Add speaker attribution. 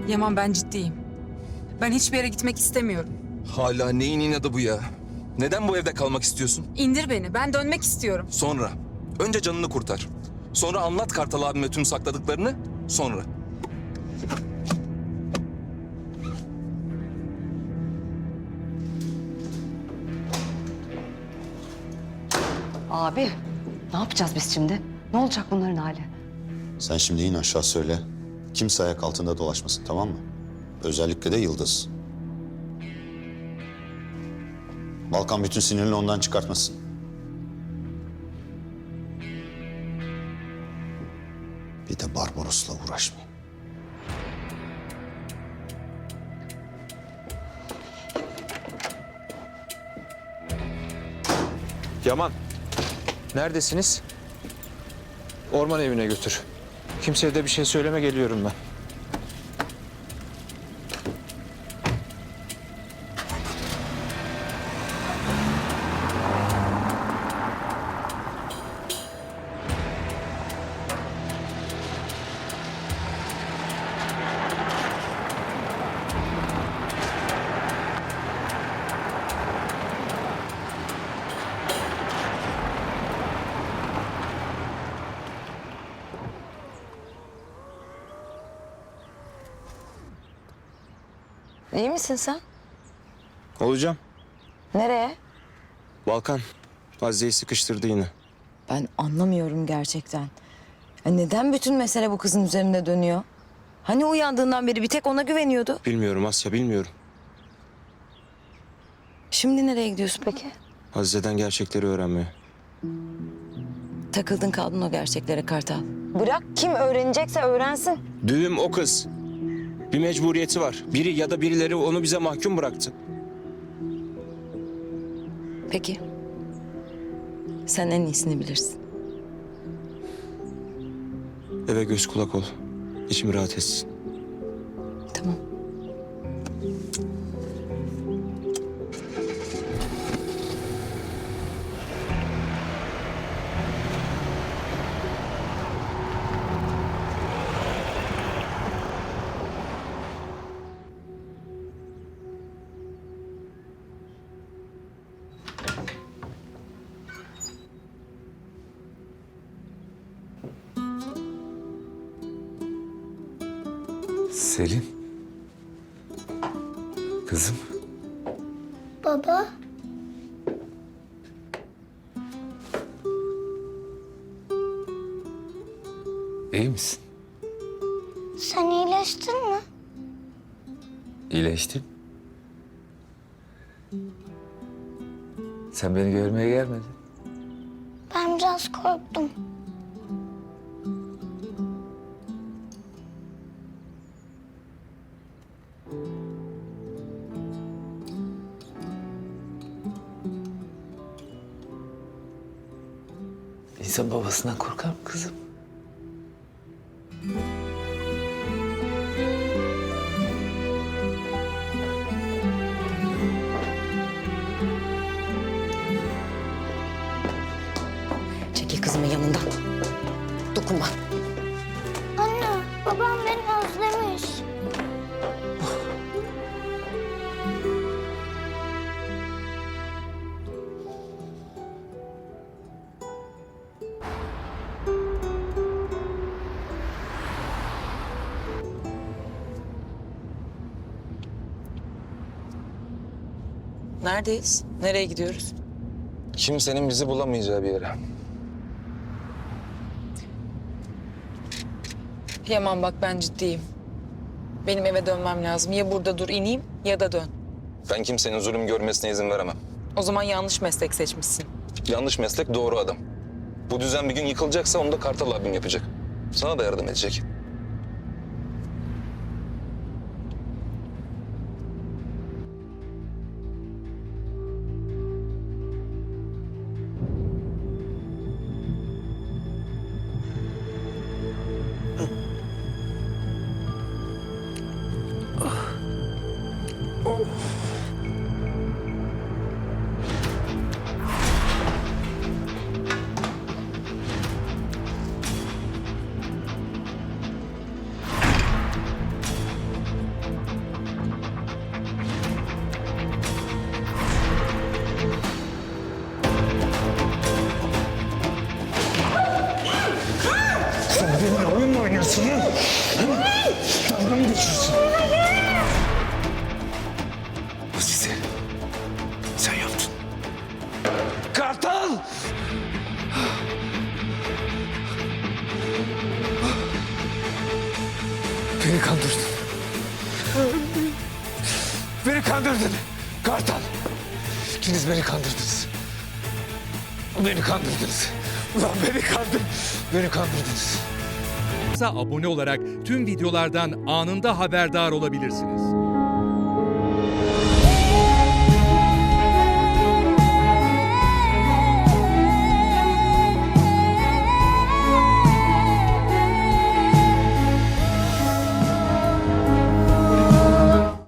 Speaker 1: Yaman, ben ciddiyim. Ben hiçbir yere gitmek istemiyorum.
Speaker 2: Hala neyin inadı bu ya? Neden bu evde kalmak istiyorsun?
Speaker 1: İndir beni. Ben dönmek istiyorum.
Speaker 2: Sonra. Önce canını kurtar. Sonra anlat Kartal abime tüm sakladıklarını. Sonra.
Speaker 3: Abi, ne yapacağız biz şimdi? Ne olacak bunların hali?
Speaker 4: Sen şimdi in aşağı söyle. Kimse ayak altında dolaşmasın, tamam mı? Özellikle de Yıldız. Balkan bütün sinirini ondan çıkartmasın. Bir de Barbaros'la uğraşmayın.
Speaker 5: Yaman, neredesiniz? Orman evine götür. Kimseye de bir şey söyleme, geliyorum ben.
Speaker 3: İyi misin sen?
Speaker 5: Olacağım.
Speaker 3: Nereye?
Speaker 5: Balkan, Azize'yi sıkıştırdı yine.
Speaker 6: Ben anlamıyorum gerçekten. Ya neden bütün mesele bu kızın üzerinde dönüyor? Hani uyandığından beri bir tek ona güveniyordu.
Speaker 5: Bilmiyorum Asya, bilmiyorum.
Speaker 6: Şimdi nereye gidiyorsun peki?
Speaker 5: Azize'den gerçekleri öğrenmeye.
Speaker 6: Takıldın kaldın o gerçeklere Kartal. Bırak, kim öğrenecekse öğrensin.
Speaker 5: Düğüm o kız. Bir mecburiyeti var. Biri ya da birileri onu bize mahkum bıraktı.
Speaker 6: Peki. Sen en iyisini bilirsin.
Speaker 5: Eve göz kulak ol. İçim rahat etsin.
Speaker 6: Tamam.
Speaker 7: Selin. Kızım.
Speaker 8: Baba,
Speaker 7: İyi misin?
Speaker 8: sen iyileştin mi?
Speaker 7: İyileştin. Sen beni görmeye gelmedin.
Speaker 8: Ben biraz korktum.
Speaker 7: İnsan babasından korkar mı kızım?
Speaker 6: Çekil kızımın yanından. Dokunma.
Speaker 8: Anne, babam beni özlemiş.
Speaker 1: Neredeyiz? Nereye gidiyoruz?
Speaker 2: Kimsenin bizi bulamayacağı bir yere.
Speaker 1: Yaman, bak ben ciddiyim. Benim eve dönmem lazım. Ya burada dur ineyim ya da dön.
Speaker 2: Ben kimsenin zulüm görmesine izin veremem.
Speaker 1: O zaman yanlış meslek seçmişsin.
Speaker 2: Yanlış meslek, doğru adam. Bu düzen bir gün yıkılacaksa onu da Kartal abim yapacak. Sana da yardım edecek.
Speaker 5: Sen benimle oyun mu oynuyorsun? Dalga mı geçiyorsun? Azize, sen yaptın. Kartal! Beni kandırdın. Beni kandırdın. Kartal. İkiniz beni kandırdınız. Beni kandırdınız. Ulan beni kandırdınız.
Speaker 9: Abone olarak tüm videolardan anında haberdar olabilirsiniz.